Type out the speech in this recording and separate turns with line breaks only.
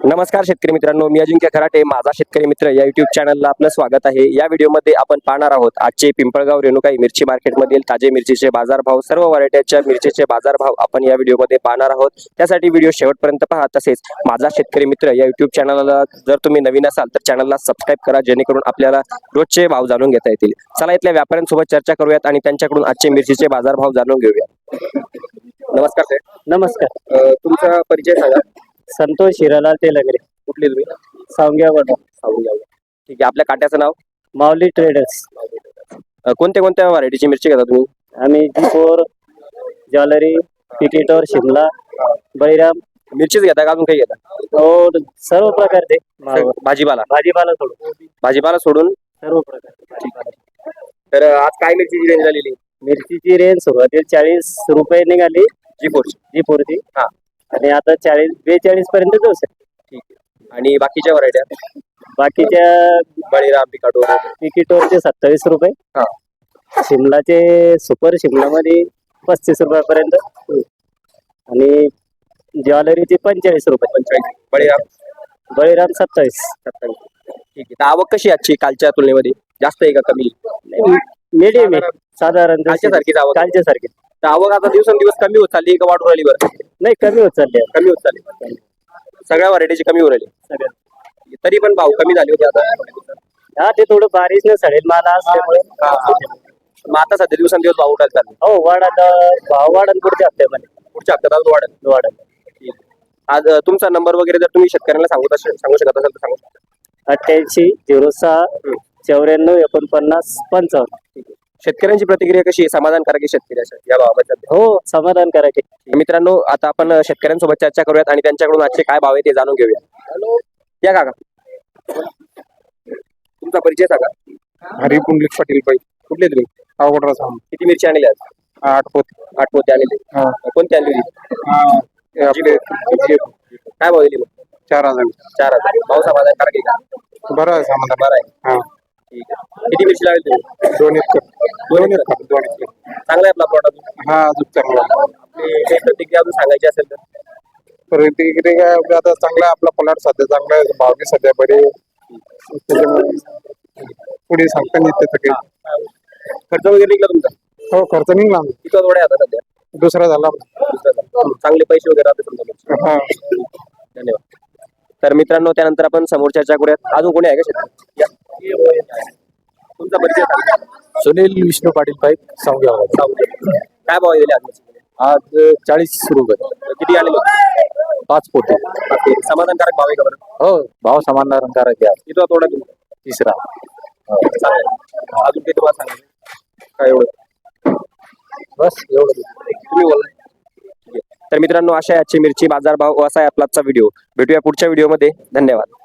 नमस्कार शेतकरी मित्रांनो, मी अजिंक्य खराटे, माझा शेतकरी मित्र या युट्यूब चॅनलला आपलं स्वागत आहे। या व्हिडिओमध्ये आपण पाहणार आहोत आजचे पिंपळगाव रेणुकाई मिरची मार्केटमधील ताजे मिरचीचे बाजारभाव, सर्व व्हरायटीच्या मिरचीचे बाजारभाव आपण या व्हिडिओमध्ये पाहणार आहोत। त्यासाठी व्हिडिओ शेवटपर्यंत पहा। तसेच माझा शेतकरी मित्र या युट्यूब चॅनलला जर तुम्ही नवीन असाल तर चॅनलला सबस्क्राइब करा, जेणेकरून आपल्याला रोजचे भाव जाणून घेता येतील। चला इथल्या व्यापाऱ्यांसोबत चर्चा करूयात आणि त्यांच्याकडून आजचे मिरचीचे बाजारभाव जाणून घेऊया। नमस्कार सर।
नमस्कार।
तुमचा परिचय सांगा।
संतोष हिरालाल तेलंगरे,
कुठले तुम्ही?
सावंग्यावरून।
ठीक आहे, आपल्या काट्याचं नाव?
माऊली ट्रेडर्स।
कोणत्या कोणत्या व्हरायटीची मिरची घेता तुम्ही?
आम्ही जी4, ज्वेलरी, पिकेटर, शिमला, बळीराम
मिरचीच घेता का अजून काही घेता?
और सर्व प्रकारचे
भाजीपाला
भाजीपाला सोडून सर्व प्रकार।
तर आज काय मिरचीची रेंज झालेली?
मिरचीची रेंज सुरुवातीला 40 रुपये निघाली जी4 ची, आणि आता 42 पर्यंत जाऊ शकते।
ठीक आहे, आणि बाकीच्या व्हरायट्या?
बाकीच्या
बळीराम,
पिकेटोरचे 27 रुपये, शिमलाचे सुपर शिमलामध्ये 35 रुपयापर्यंत, आणि ज्वेलरीचे 45 रुपये। बळीराम 27।
ठीक आहे, आवक कशी आजची कालच्या तुलनेमध्ये? जास्त आहे का कमी?
मीडियम आहे, साधारण
कालच्या सारखी आवक आता दिवसेंदिवस कमी होत चालली का वाढून राहिली? बरं,
नाही, कमी होत चालली।
सगळ्या व्हरायटीची कमी होत राहिली, तरी पण भाव कमी झाले होते आता?
हा, ते थोडं बारिश न सडेल माल असल्यामुळे।
मग आता सध्या दिवसेंदिवस भाव उठायला चालले?
हो, भाव वाढन पुढच्या हप्त्यात
वाढेल। आज तुमचा नंबर वगैरे जर तुम्ही शेतकऱ्यांना सांगू शकत असाल तर सांगू शकता?
88 06 94 49 55।
शेतकऱ्यांची प्रतिक्रिया कशी आहे? समाधानकारक आहे शेतकरी या भावाबद्दल?
हो, समाधानकारक आहे।
मित्रांनो, आता आपण शेतकऱ्यांसोबत चर्चा करूयात आणि त्यांच्याकडून आजचे काय भाव आहे ते जाणून घेऊया। या काका, तुमचा परिचय सांगा।
हरी पुंडलिक पाटील पाहिजे।
कुठले तुम्ही?
अवघड।
किती मिरची आणली आज?
8
पोते आणले। कोणती आणली होती? काय भाव दिली?
4000।
भाव समाधानकारक आहे का?
बरं आहे, समाधान
बरं आहे। ठीक आहे, किती मिरची लागेल तुम्ही?
2 एकर।
चांगला आहे आपला प्लॉट?
हा, अजून चांगला।
आपली प्रतिक्रिया अजून सांगायची असेल तर?
प्रतिक्रिया काय आता चांगला आहे, आपला प्लॉट सध्या चांगला आहे, भाव बी सध्या बरे, पुढे सांगता नाही येते काही।
खर्च वगैरे निघला तुमचा?
हो, खर्च निघला।
किती थोडे आता सध्या?
दुसरा झाला।
चांगले पैसे वगैरे राहते तुमच्या? धन्यवाद। तर मित्रांनो, त्यानंतर आपण समोर चर्चा करूयात। अजून कोणी आहे का शेतकरी? तुमचा परिचय सांगा।
सुनील विष्णू पाटील पाईक, सावंग्यावर।
काय भाव दिले
आज 40 रुपये।
किती आलेले?
5 पोते।
समाधानकारक भाव आहे का बरं?
हो, भाव समाधानकारक आहे।
किती थोडा तुमचा?
तिसरा।
चांगला। अजून काही तुम्हाला सांगायचं काय? एवढं
बस, एवढं
तुम्ही बोला। तर मित्रांनो, अशा आजची मिरची बाजारभाव असा आहे आपला आजचा व्हिडिओ। भेटूया पुढच्या व्हिडिओमध्ये। धन्यवाद।